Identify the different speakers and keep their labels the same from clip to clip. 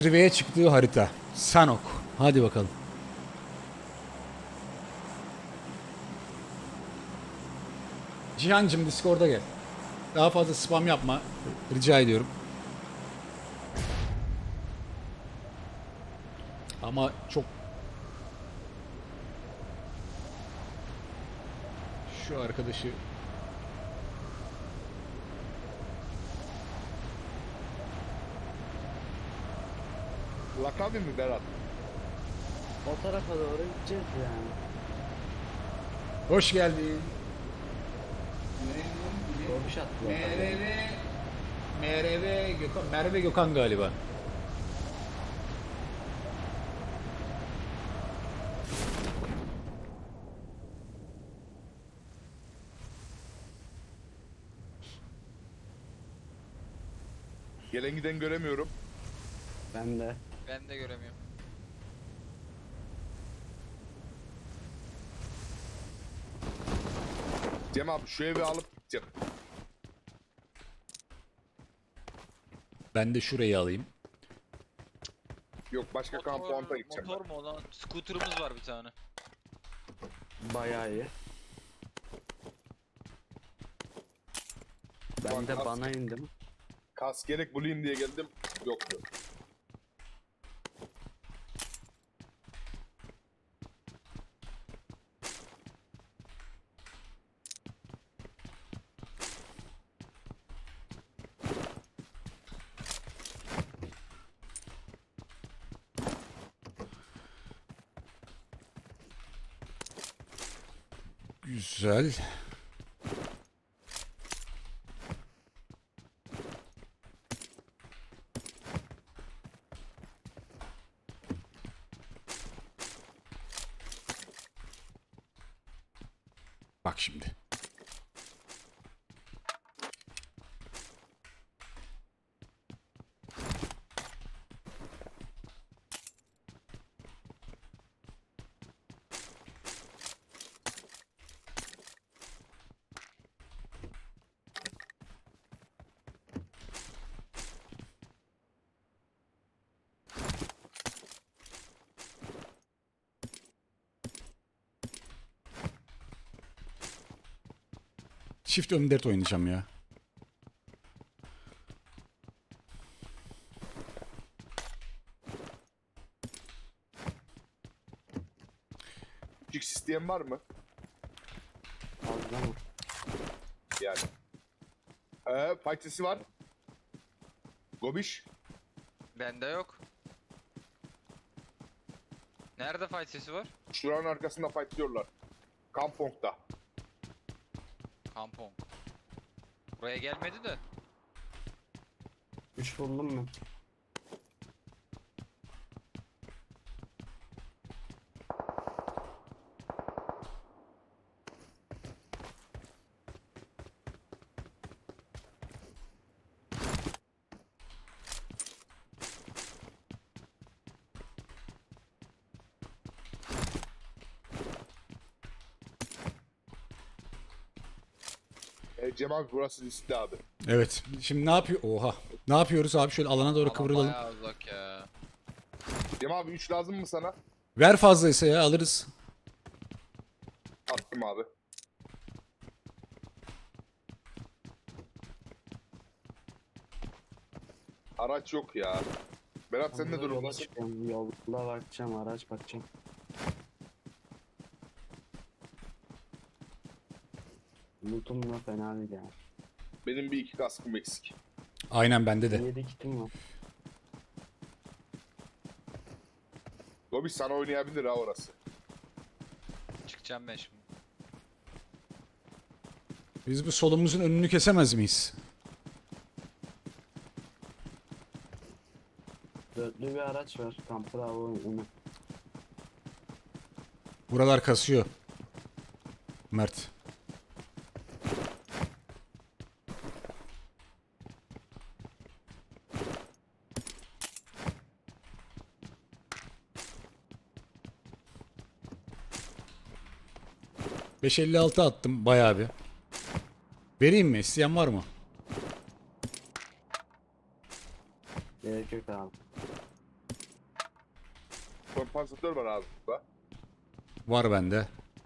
Speaker 1: Zirveye çıktığı harita. Sanok. Hadi bakalım. Cihancım Discord'a gel. Daha fazla spam yapma. Rica ediyorum. Ama çok... Şu arkadaşı...
Speaker 2: Lakabi mi Berat?
Speaker 3: O tarafa doğru gideceğiz yani.
Speaker 1: Hoş geldin.
Speaker 3: Dolmuş attılar.
Speaker 1: MRV Gökhan, Merve Gökhan galiba.
Speaker 2: Gelen giden göremiyorum.
Speaker 3: Ben de.
Speaker 4: Ben de göremiyorum.
Speaker 2: Cem abi şu evi alıp gideceğim.
Speaker 1: Ben de şurayı alayım.
Speaker 2: Yok başka kampanta gideceğim.
Speaker 4: Motor mu olan? Scooter'ımız var bir tane.
Speaker 3: Bayağı iyi. Ben de
Speaker 2: Bak,
Speaker 3: bana indim.
Speaker 2: Kas gerek bulayım diye geldim. Yoktu.
Speaker 1: Güzel. Bak şimdi. Çift M4 oynayacağım ya.
Speaker 2: Küçük sistem var mı?
Speaker 3: Fazla mı?
Speaker 2: Yani. Fight'si var. Gobiş.
Speaker 4: Bende yok. Nerede fight sesi var?
Speaker 2: Şuranın arkasında fight diyorlar. Kampong'da.
Speaker 4: Kampong. Buraya gelmedi de.
Speaker 3: 3 buldum mu?
Speaker 2: Cem abi burası riskli abi.
Speaker 1: Evet. Şimdi ne yapıyor? Oha. Ne yapıyoruz abi? Şöyle alana doğru
Speaker 4: Ama
Speaker 1: kıvrılalım.
Speaker 4: bayağı uzak ya.
Speaker 2: Cem abi 3 lazım mı sana?
Speaker 1: Ver fazlaysa ya alırız.
Speaker 2: Attım abi. Araç yok ya. Berat sen ne
Speaker 3: Yola
Speaker 2: durumdasın?
Speaker 3: çıkıyorum. Yolda bakacağım. Araç bakacağım. Lootum da fena değil yani.
Speaker 2: Benim bir iki kaskım eksik.
Speaker 1: Aynen bende de.
Speaker 3: 7 kitim var.
Speaker 2: Gobiş sana oynayabilir ha orası.
Speaker 4: Çıkacağım ben şimdi.
Speaker 1: Biz bu solumuzun önünü kesemez miyiz?
Speaker 3: Dörtlü bir araç var. Kamp Bravo onu.
Speaker 1: Buralar kasıyor. Mert. ...556 attım bayağı bir. Vereyim mi? İsteyen var mı?
Speaker 3: Gerek yok abi.
Speaker 2: Kompansatör var abi burada.
Speaker 1: Var bende.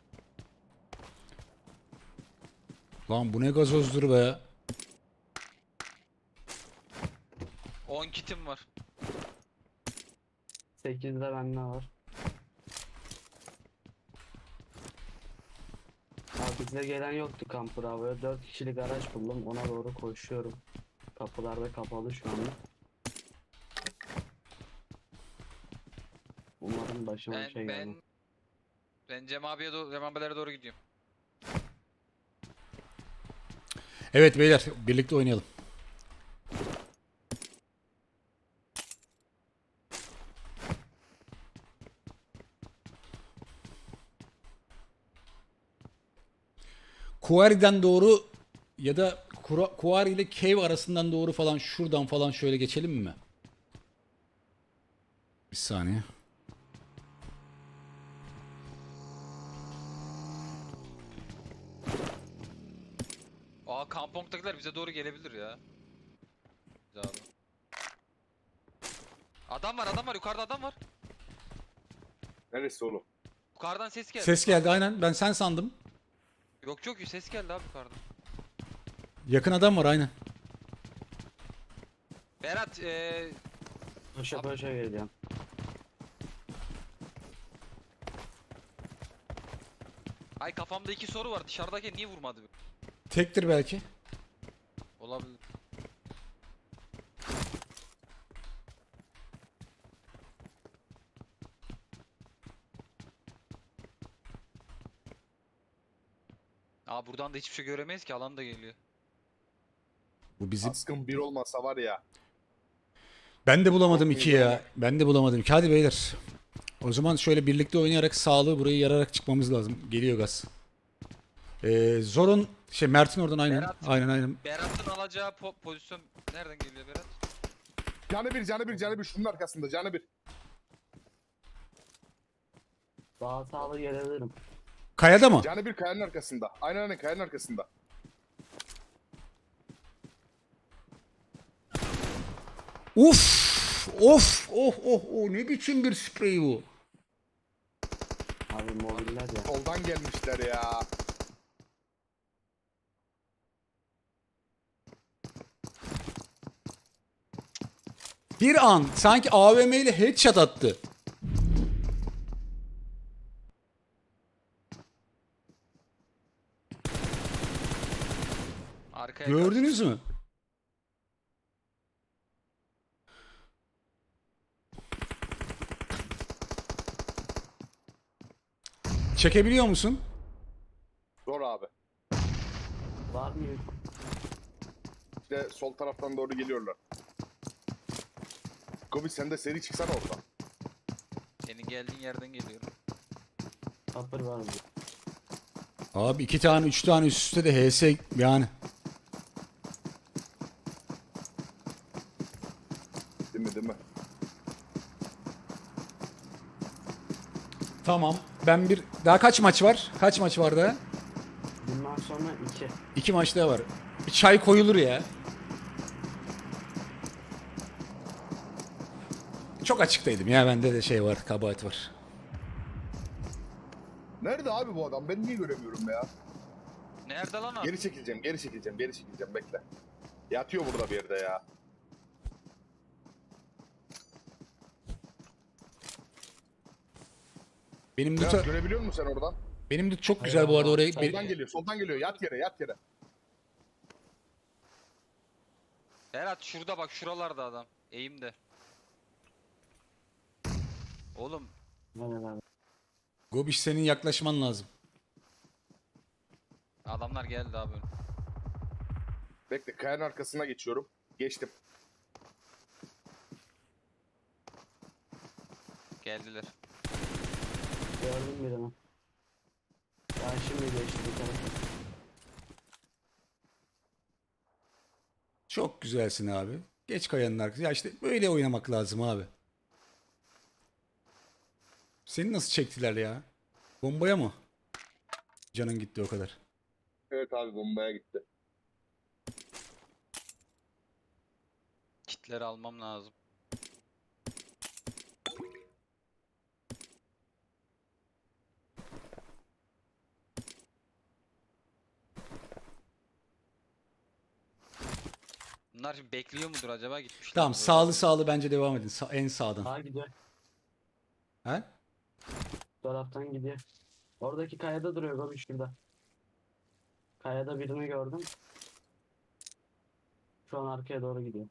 Speaker 1: Lan bu ne gazozdur be.
Speaker 4: 10 kitim var.
Speaker 3: 8'de bende var. Abi bize gelen yoktu kamp bravo'ya. 4 kişilik araç buldum. Ona doğru koşuyorum. Kapılar da kapalı şu anda. Umarım başıma bir şey gelmez.
Speaker 4: Ben Cem abilere doğru gidiyorum.
Speaker 1: Evet beyler birlikte oynayalım. Quarry'den doğru ya da Quarry ile Cave arasından doğru falan şuradan falan şöyle geçelim mi? Bir saniye.
Speaker 4: Aa kampongdakiler bize doğru gelebilir ya. Güzel abi. Adam var yukarıda adam var.
Speaker 2: Neresi oğlum?
Speaker 4: Yukarıdan ses geldi.
Speaker 1: Ses geldi aynen. Ben sen sandım.
Speaker 4: Yok ses geldi abi yukarıdan.
Speaker 1: Yakın adam var aynen.
Speaker 4: Berat
Speaker 3: Paşa paşa geleceğim.
Speaker 4: ay kafamda 2 soru var. Dışarıdaki niye vurmadı?
Speaker 1: Tektir belki.
Speaker 4: Olabilir. Aa buradan da hiçbir şey göremeyiz ki alan da geliyor.
Speaker 1: Bu bizim.
Speaker 2: Askın bir olmasa var ya.
Speaker 1: Ben de bulamadım
Speaker 2: Çok
Speaker 1: iki
Speaker 2: iyi
Speaker 1: ya.
Speaker 2: yani.
Speaker 1: Ben de bulamadım iki. Hadi beyler. O zaman şöyle birlikte oynayarak sağlığı burayı yararak çıkmamız lazım. Geliyor gaz. Zor'un Mert'in oradan aynen.
Speaker 4: Berat.
Speaker 1: Aynen.
Speaker 4: Berat'ın alacağı pozisyon nereden geliyor Berat?
Speaker 2: Canı bir şunun arkasında canı bir.
Speaker 3: Daha sağlı gelebilirim.
Speaker 1: Kayada mı?
Speaker 2: Canı bir kayanın arkasında. Aynen kayanın arkasında.
Speaker 1: Uf! Of! Oh ne biçim bir sprey bu?
Speaker 3: Abi mobiller ya.
Speaker 2: Soldan gelmişler ya.
Speaker 1: Bir an sanki AVM ile headshot attı.
Speaker 4: Arkaya
Speaker 1: Gördünüz mü? Çekebiliyor musun?
Speaker 2: Zor abi.
Speaker 3: Var mı?
Speaker 2: İşte sol taraftan doğru geliyorlar. Gobi sen de seri çıksana oradan.
Speaker 4: Senin geldiğin yerden geliyorum.
Speaker 3: Upper var mı?
Speaker 1: Abi 2 tane 3 tane üst üste de HS yani.
Speaker 2: Değil mi?
Speaker 1: Tamam. Ben bir daha kaç maç var? Kaç maç var daha?
Speaker 3: Bundan sonra 2.
Speaker 1: 2 maç daha var. Bir çay koyulur ya. Çok açıktaydım ya, bende de şey var, kabahat var.
Speaker 2: Nerede abi bu adam? Ben niye göremiyorum ya?
Speaker 4: Nerede lan abi?
Speaker 2: Geri çekileceğim bekle. Yatıyor burada bir yerde ya.
Speaker 1: Benim
Speaker 2: Biraz
Speaker 1: loot,
Speaker 2: görebiliyor musun sen oradan?
Speaker 1: benim loot çok güzel bu arada oraya.
Speaker 2: Soldan geliyor. Yat yere.
Speaker 4: Berat şurada bak şuralarda adam. Eğimde. Oğlum
Speaker 3: Neler?
Speaker 1: Gobiş senin yaklaşman lazım.
Speaker 4: adamlar geldi abi.
Speaker 2: Bekle, kayanın arkasına geçiyorum. Geçtim.
Speaker 4: Geldiler.
Speaker 3: Gördüm birini. Ben şimdi geçti bir tarafa.
Speaker 1: Çok güzelsin abi. Geç kayanın arkasına. Ya işte böyle oynamak lazım abi. Seni nasıl çektiler ya? Bombaya mı? Canın gitti o kadar.
Speaker 2: Evet abi, bombaya gitti.
Speaker 4: Kitleri almam lazım. Bunlar şimdi bekliyor mudur acaba, gitmişler.
Speaker 1: Tamam,
Speaker 4: mi böyle?
Speaker 1: sağlı sağlı bence devam edin. En sağdan.
Speaker 3: Sağa gidiyor.
Speaker 1: He?
Speaker 3: Bu taraftan gidiyor. Oradaki kayada duruyor Gobi, şurada. Kayada birini gördüm. Şu an arkaya doğru gidiyor.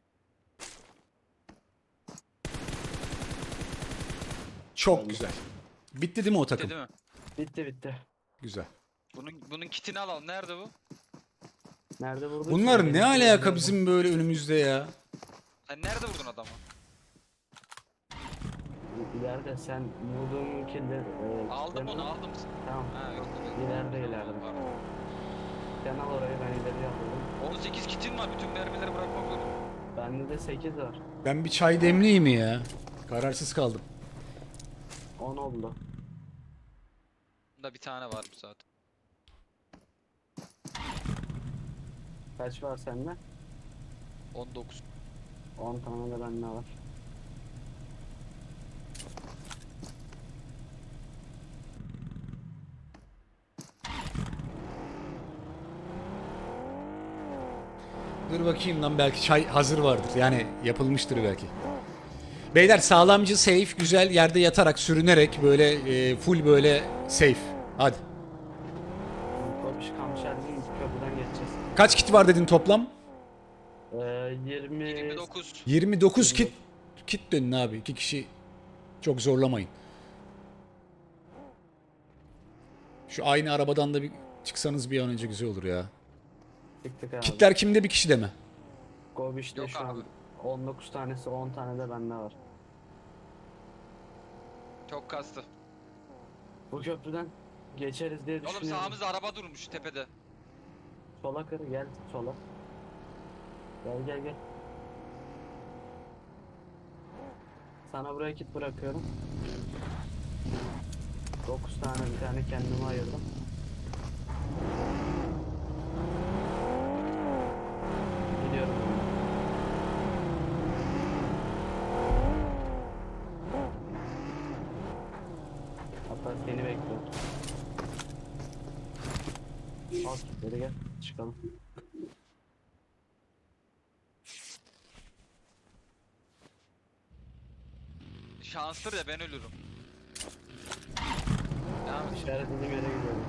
Speaker 1: Çok güzel. Bitti değil mi o takım?
Speaker 4: Değil mi?
Speaker 3: Bitti bitti.
Speaker 1: Güzel.
Speaker 4: Bunun kitini alalım. Nerede bu?
Speaker 3: Nerede vurdun?
Speaker 1: Bunlar ne alaka bizim böyle önümüzde ya?
Speaker 4: Sen nerede vurdun adamı?
Speaker 3: İleride sen vurduğun kilde...
Speaker 4: Aldım onu, aldım.
Speaker 3: Tamam.
Speaker 4: Ha yok.
Speaker 3: İleride, ileride.
Speaker 4: Pardon.
Speaker 3: Sen al orayı, ben ileriye alıyorum.
Speaker 4: 18 kitin var. Bütün mermileri bırakmak zorunda.
Speaker 3: Bende de 8 var.
Speaker 1: Ben bir çay demleyeyim mi ya? Kararsız kaldım.
Speaker 3: 10 oldu.
Speaker 4: Bunda bir tane var zaten.
Speaker 3: Kaç var sende?
Speaker 4: 19.
Speaker 3: 10 tane de bende var.
Speaker 1: Dur bakayım lan, belki çay hazır vardır. Yani yapılmıştır belki. Beyler, sağlamcı, safe, güzel yerde yatarak, sürünerek böyle full böyle safe. Hadi.
Speaker 3: Gobiş Kamşer'in köprüden geçeceğiz.
Speaker 1: Kaç kit var dedin toplam?
Speaker 4: 29.
Speaker 1: 29 kit. Kit dönün abi. 2 kişi çok zorlamayın. Şu aynı arabadan da bir çıksanız bir an önce güzel olur ya.
Speaker 3: Çıktık abi.
Speaker 1: Kitler kimde, bir kişide mi?
Speaker 3: Gobiş'te
Speaker 4: Yok
Speaker 3: şu
Speaker 4: abi.
Speaker 3: an 19 tanesi, 10 tane de bende var.
Speaker 4: Çok kastı.
Speaker 3: Bu köprüden geçeriz diye
Speaker 4: Oğlum
Speaker 3: düşünüyorum.
Speaker 4: sağımızda araba durmuş tepede.
Speaker 3: Sola kır, gel sola. Gel gel gel. Sana buraya kit bırakıyorum. 9 tane, bir tane kendime ayırdım. Gidiyorum. Hatta seni bekliyorum. Al kitleri, gel çıkalım.
Speaker 4: Şanstır ya, ben ölürüm. Devam et.
Speaker 3: İşaretlediğim yere gidiyorum.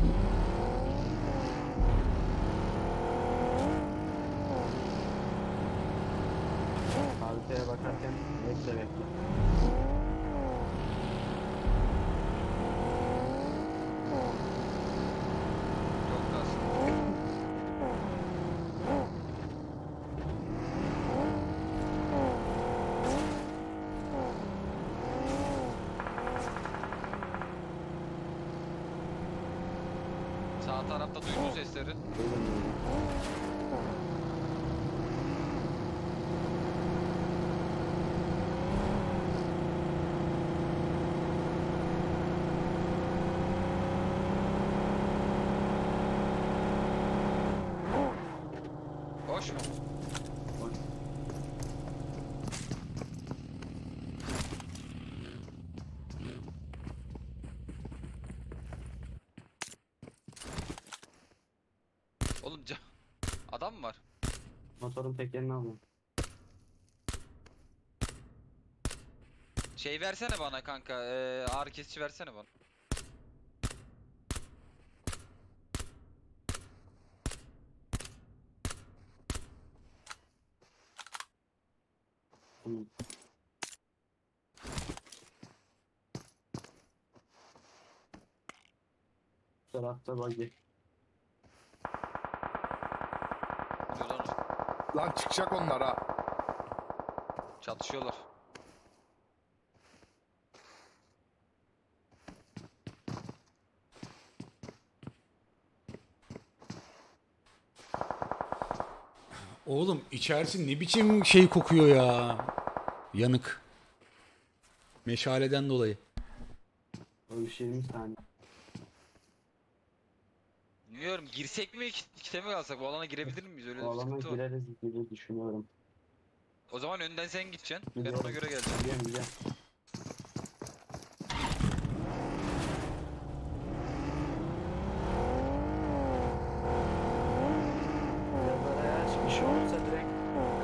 Speaker 3: Haritaya bakarken bekle.
Speaker 4: Çok kastı. Sağ tarafta duydun sesleri.
Speaker 3: Duydum, duydum.
Speaker 4: Boş mu? Oğlum adam mı var?
Speaker 3: Motorun tekerini alıyorum.
Speaker 4: Şey versene bana kanka. Ağrı kesici versene bana.
Speaker 3: Hı. Bu tarafta buggy.
Speaker 4: Diyor lan o.
Speaker 2: Lan çıkacak onlar ha.
Speaker 4: Çatışıyorlar.
Speaker 1: Oğlum içerisi ne biçim şey kokuyor ya. Yanık. Meşaleden dolayı.
Speaker 3: O iş 20 saniye.
Speaker 4: Bilmiyorum, girsek mi kite mi kalsak? Bu alana girebilir miyiz? Öyle
Speaker 3: O
Speaker 4: bir
Speaker 3: alana
Speaker 4: sıkıntı var.
Speaker 3: gireriz gibi düşünüyorum.
Speaker 4: O zaman önden sen gideceksin. Ben
Speaker 3: Gidiyorum.
Speaker 4: ona göre geleceğim.
Speaker 3: Gidiyorum. Biraz araya aç. Bir şey olursa direkt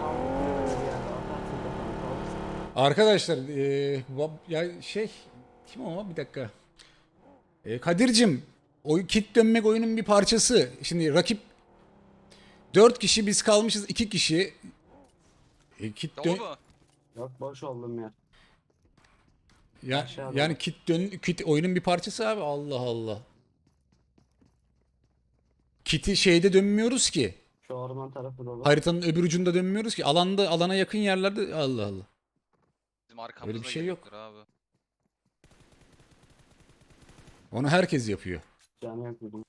Speaker 1: Arkadaşlar ya şey kim o bir dakika. Kadir'cim o kit dönmek oyunun bir parçası. Şimdi rakip 4 kişi biz kalmışız 2 kişi. Kit
Speaker 4: Dolu
Speaker 1: dön
Speaker 4: mu?
Speaker 3: Yok boş oldum ya.
Speaker 1: ya,
Speaker 3: Aşağıda.
Speaker 1: yani kit oyunun bir parçası abi. Allah Allah. Kit'i şeyde dönmüyoruz ki.
Speaker 3: Şu orman tarafı dolu.
Speaker 1: Haritanın öbür ucunda dönmüyoruz ki. Alana yakın yerlerde Allah Allah.
Speaker 4: Bizim arkamızda
Speaker 1: Öyle bir şey yok.
Speaker 4: gelecektir abi.
Speaker 1: Onu herkes yapıyor.
Speaker 3: Canı yok dedim.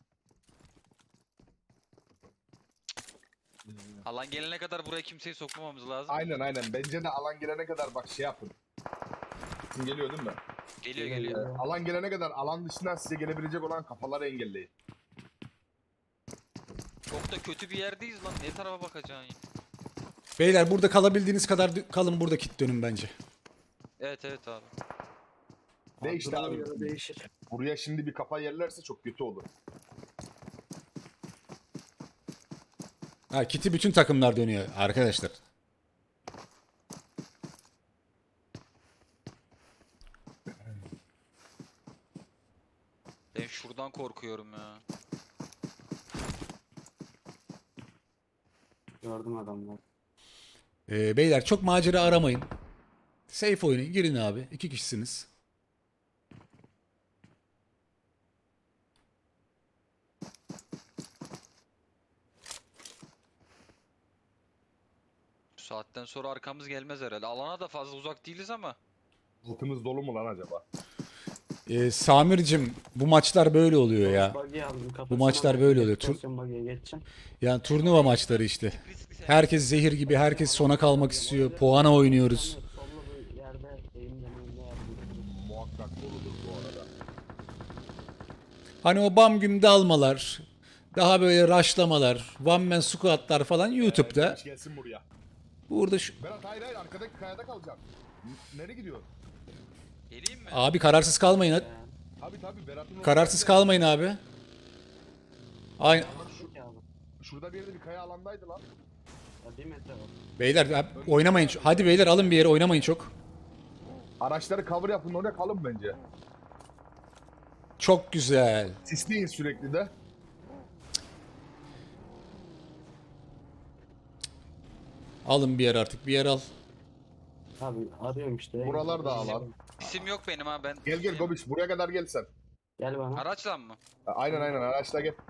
Speaker 4: Alan gelene kadar buraya kimseyi sokmamamız lazım.
Speaker 2: Aynen. Bence de alan gelene kadar bak şey yapın. Sesin geliyor değil mi?
Speaker 4: Geliyor.
Speaker 2: Alan gelene kadar alan dışından size gelebilecek olan kafaları engelleyin.
Speaker 4: Çok da kötü bir yerdeyiz lan. Ne tarafa bakacaksın ya?
Speaker 1: Beyler burada kalabildiğiniz kadar kalın, burada kit dönün bence.
Speaker 4: Evet abi.
Speaker 2: Değişti
Speaker 3: Duruma
Speaker 2: abi.
Speaker 3: göre değişir.
Speaker 2: Buraya şimdi bir kafa yerlerse çok kötü olur.
Speaker 1: Ha, kit'i bütün takımlar dönüyor arkadaşlar.
Speaker 4: Ben şuradan korkuyorum ya.
Speaker 3: Gördüm adamları.
Speaker 1: Beyler çok macera aramayın. Safe oynayın. Girin abi. 2 kişisiniz.
Speaker 4: Bu saatten sonra arkamız gelmez herhalde. Alana da fazla uzak değiliz ama.
Speaker 2: Altımız dolu mu lan acaba?
Speaker 1: Samir'cim bu maçlar böyle oluyor ya.
Speaker 3: Buggy aldım,
Speaker 1: Bu
Speaker 3: kafasına
Speaker 1: maçlar
Speaker 3: bak,
Speaker 1: böyle oluyor.
Speaker 3: pozisyon buggy'ye geçeceğim.
Speaker 1: Yani turnuva maçları işte.
Speaker 4: Riskli
Speaker 1: Herkes zehir gibi. Herkes sona kalmak istiyor. Puana oynuyoruz.
Speaker 3: Sollu bir yerde eğimden
Speaker 2: Muhakkak doludur bu arada.
Speaker 1: Hani o bam güm dalmalar. Daha böyle rushlamalar. One man squatlar falan YouTube'da.
Speaker 2: Gelmiş gelsin buraya.
Speaker 1: Burada şu...
Speaker 2: Berat hayır arkadaki kayada kalacağım. Nereye gidiyor?
Speaker 4: Geleyim mi?
Speaker 1: Abi kararsız kalmayın. Hadi.
Speaker 2: Tabii Berat'ın
Speaker 1: Kararsız kalmayın abi. Aynen.
Speaker 2: Şurada bir yerde bir kaya alandaydı lan.
Speaker 3: Ya 1 metre var.
Speaker 1: Beyler oynamayın. Hadi beyler alın bir yere, oynamayın çok.
Speaker 2: Araçları cover yapın oraya kalın bence.
Speaker 1: Çok güzel.
Speaker 2: Sisleyin sürekli de.
Speaker 1: Alın bir yer artık. Bir yer al.
Speaker 3: Abi arıyorum işte.
Speaker 2: Buralar da alan.
Speaker 4: İsim yok benim ha ben.
Speaker 2: Gel Gobiş buraya kadar gel sen.
Speaker 3: Gel bana.
Speaker 4: Araçla mı?
Speaker 2: Aynen araçla gel.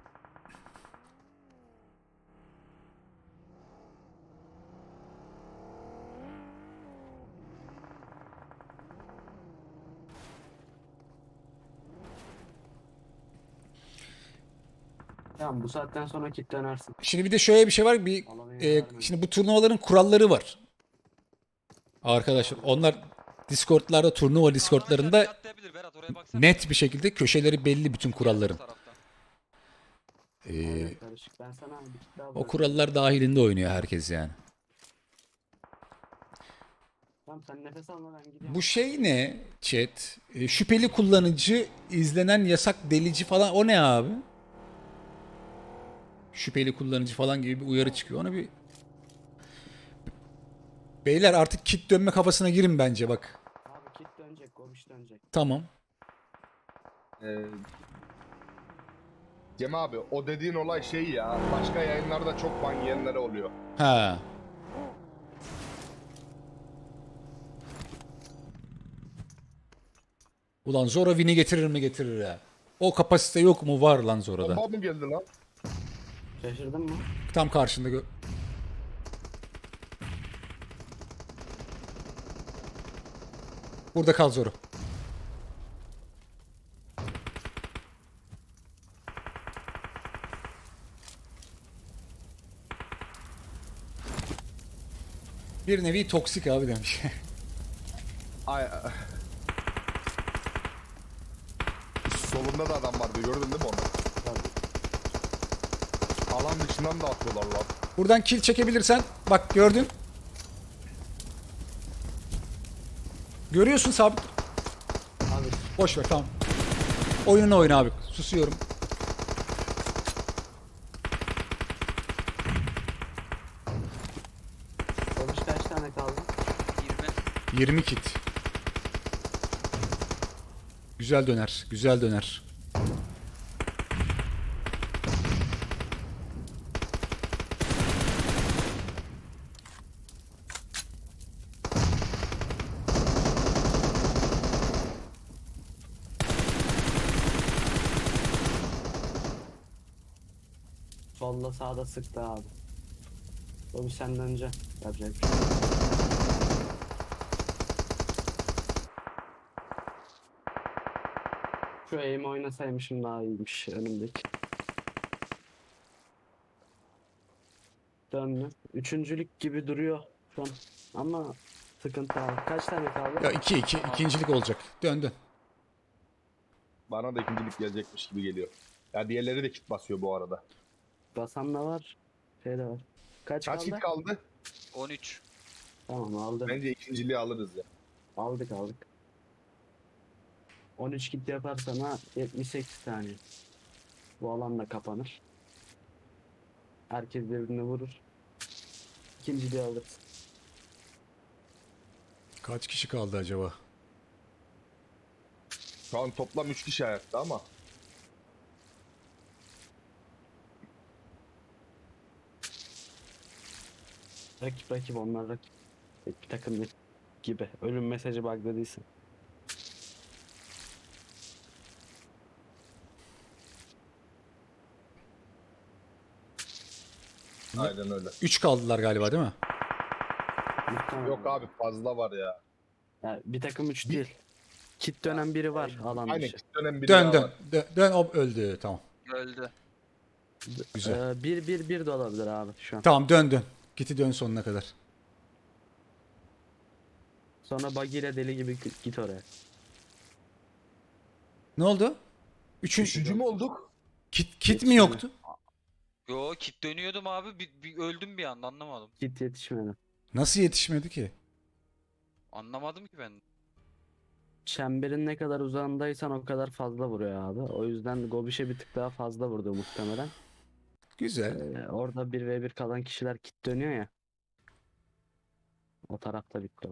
Speaker 3: Tamam bu saatten sonra kit dönersin.
Speaker 1: Şimdi bir de şöyle bir şey var. Şimdi bu turnuvaların kuralları var. Arkadaşlar onlar Discord'larda, turnuva Discord'larında
Speaker 4: Araçlar atlayabilir, Berat oraya baksana.
Speaker 1: net bir şekilde köşeleri belli bütün kuralların.
Speaker 4: Bu taraftan.
Speaker 3: Evet, karışık. Ben sana bir kit daha
Speaker 1: O
Speaker 3: bırakayım.
Speaker 1: kurallar dahilinde oynuyor herkes yani.
Speaker 3: Tamam sen nefes alma ben gidiyorum.
Speaker 1: Bu şey ne chat? Şüpheli kullanıcı, izlenen yasak delici falan o ne abi? Şüpheli kullanıcı falan gibi bir uyarı çıkıyor. Onu bir... Beyler artık kit dönme kafasına girin bence bak.
Speaker 3: Abi kit dönecek, gobiş dönecek.
Speaker 1: Tamam.
Speaker 2: Cem abi o dediğin olay şey ya. Başka yayınlarda çok ban yiyenlere oluyor.
Speaker 1: Ha. Ulan Zora win'i getirir mi getirir ha. O kapasite yok mu? Var lan Zora'da.
Speaker 2: Bomba mı geldi lan?
Speaker 3: Şaşırdın mı?
Speaker 1: Tam karşında Burada kal Zoro. Bir nevi toksik abi demiş.
Speaker 2: Ay. Solunda da adam vardı gördün değil mi onu?
Speaker 3: Tabii.
Speaker 2: Alan dışından da atıyorlar lan.
Speaker 1: Buradan kill çekebilirsen bak gördün. Görüyorsun sabit.
Speaker 3: Abi
Speaker 1: Boş ver tamam. Oyununu oyna abi. Susuyorum.
Speaker 3: gobiş kaç tane kaldı?
Speaker 4: 20.
Speaker 1: 20 kit. Güzel döner. Güzel döner.
Speaker 3: Solda sağda sıktı abi. O bir senden önce yapacak bir şey yok. Şu aim oynasaymışım daha iyiymiş önümdeki. Döndü. Üçüncülük gibi duruyor şu an. Ama sıkıntı abi. Kaç tane kaldı?
Speaker 1: Ya 2-2 ikincilik olacak. Dön dön.
Speaker 2: Bana da ikincilik gelecekmiş gibi geliyor. Ya diğerleri de kit basıyor bu arada.
Speaker 3: Basan da var. Şey de var. Kaç
Speaker 2: Kaç
Speaker 3: kaldı?
Speaker 2: kit kaldı?
Speaker 4: 13.
Speaker 3: Tamam aldım.
Speaker 2: Bence ikinciliği alırız ya.
Speaker 3: Aldık. 13 kit yaparsan ha 78 tane. Bu alan da kapanır. Herkes birbirini vurur. İkinciliği alırız.
Speaker 1: Kaç kişi kaldı acaba?
Speaker 2: Şu an toplam 3 kişi hayatta ama.
Speaker 3: Rakip onlar rakip. Tek bir takım değil. Gibi. Ölüm mesajı bug'da değilsin.
Speaker 2: Aynen öyle.
Speaker 1: 3 kaldılar galiba değil mi?
Speaker 3: Muhtemelen.
Speaker 2: Yok abi fazla var ya.
Speaker 3: Ya, bir takım 3 değil. Kit dönen biri var alan
Speaker 2: Aynen
Speaker 3: dışı.
Speaker 2: kit dönem biri
Speaker 1: Dön
Speaker 2: daha
Speaker 1: dön.
Speaker 2: var.
Speaker 1: Dön o öldü. Tamam.
Speaker 4: Öldü.
Speaker 1: Güzel.
Speaker 3: 1-1-1 de olabilir abi şu an.
Speaker 1: Tamam dön. Giti dön sonuna kadar.
Speaker 3: Sonra buggy ile deli gibi git oraya.
Speaker 1: Ne oldu?
Speaker 2: Üçüncü mü olduk?
Speaker 1: Kit mi yoktu?
Speaker 4: Yo kit dönüyordum abi. Bir öldüm bir anda anlamadım.
Speaker 3: Git yetişmedi.
Speaker 1: Nasıl yetişmedi ki?
Speaker 4: Anlamadım ki ben.
Speaker 3: Çemberin ne kadar uzağındaysan o kadar fazla vuruyor abi. O yüzden Gobiş'e bir tık daha fazla vurdu muhtemelen.
Speaker 1: Güzel.
Speaker 3: Orada 1v1 kalan kişiler kit dönüyor ya. O tarafta bitti o.